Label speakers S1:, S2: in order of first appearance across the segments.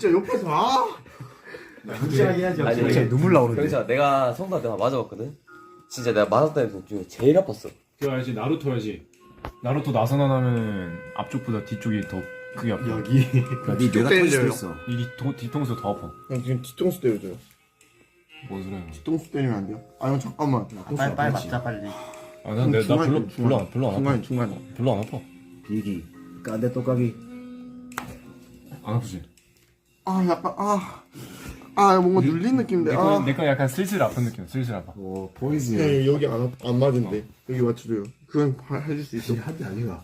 S1: 진짜 옆에서
S2: 확실하게 해야지.
S3: 아니,
S2: 확실하게.
S4: 눈물 나오는데.
S3: 병사 내가 성도 내가 맞아봤거든. 진짜 내가 맞았던 애 중에 제일 아팠어.
S5: 그거 알지? 나루토야지. 나루토 나사나 하면 앞쪽보다 뒤쪽이 더 크게 아파.
S1: 여기.
S2: 네 뇌가 터질 수도 있어.
S5: 이 뒤통수 더 아파.
S1: 형 지금 뒤통수 때려줘요.
S5: 뭔 소리야?
S1: 뒤통수 때리면 안 돼요? 아 형 잠깐만.
S2: 빨리 맞자 빨리.
S5: 아, 난 나 별로 안 아파.
S1: 중간.
S5: 별로 안 아파.
S2: 비기. 까대 똑까기.
S5: 안 아프지?
S1: 아 약간 뭔가 눌린 느낌인데.
S5: 내거 약간 슬슬 아픈 느낌. 슬슬 아파.
S2: 오 보이즈.
S1: 형 여기 안 맞은데 여기 맞춰줘요. 그건 해줄 수 있어.
S2: 한대 아니가.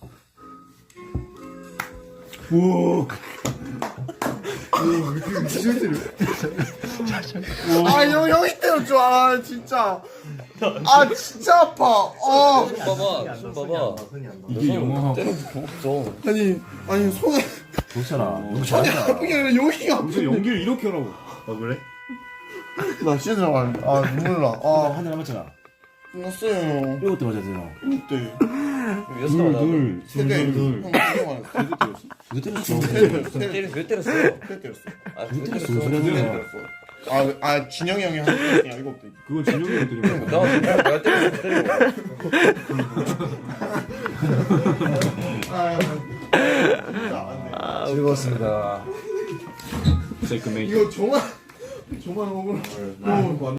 S1: 형 형이 때려줘. 아 진짜. 아 진짜 아파.
S3: 손 봐봐. 손 봐봐.
S5: 이게 영어
S3: 없어.
S1: 아니 손에
S2: 좋잖아. 너무
S1: 손이
S2: 잘한다.
S1: 아픈 게 아니라 여기가
S5: 무슨 연기를 이렇게 하라고.
S2: 그래?
S1: 나 씻으러 가는데. 눈물 나.
S2: 한대 남았잖아.
S1: 끝났어요.
S2: 이것도 맞았잖아.
S1: 그때
S3: 몇 살 맞아?
S1: 세대
S5: 둘.
S1: 형 세대
S2: 이거 때렸어.
S3: 몇 때렸어?
S1: 때렸어.
S3: 아, 몇
S2: 때렸어.
S3: 때렸어?
S2: 소리 하지 마.
S1: 아 진영이 형이 한 때렸으니까 이거 없대.
S5: 그건 진영이 때린 거야.
S3: 내가 때렸어. 때리고.
S2: 즐거웠습니다.
S5: 세이크 메이크.
S1: 이거 정말 억울해.